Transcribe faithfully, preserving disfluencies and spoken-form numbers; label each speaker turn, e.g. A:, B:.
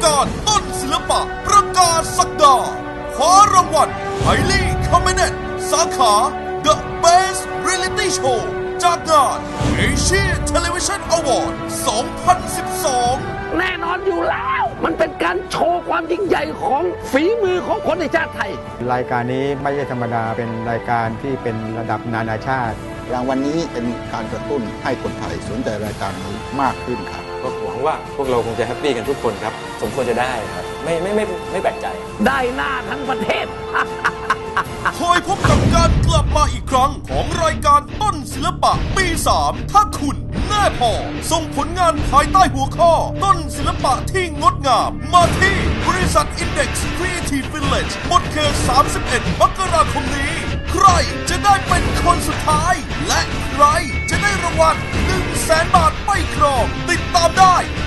A: การต้นศิลปะประกาศศักดาคว้ารางวัลไฮลี่คอมเมเนตสาขา The Best Reality Show จากงาน Asia Television Award สองพันสิบสอง
B: แน่นอนอยู่แล้วมันเป็นการโชว์ความยิ่งใหญ่ของฝีมือของคนในชาติไทย
C: รายการนี้ไม่ใช่ธรรมดาเป็นรายการที่เป็นระดับนานาชาติ
D: รางวัลนี้เป็นการกระตุ้นให้คนไทยสนใจรายการนี้มากขึ้นครับ
E: ก็หวังว่าพวกเราคงจะแฮปปี้กันทุกคนครับสมควรจะได้ครับไม่ไม่ไม่ไม่แปลกใจ
B: ได้หน้าทั้งประเทศ
A: คอยพบกับการกลับมาอีกครั้งของรายการต้นศิลปะปีสามถ้าคุณแน่พอส่งผลงานภายใต้หัวข้อต้นศิลปะที่งดงามมาที่บริษัท Index Creative Village หมดเขตสามสิบเอ็ดมกราคมนี้ใครจะได้เป็นคนสุดท้ายและใครจะได้รางวัลหนึ่งแสนบาทไปครองติดตามได้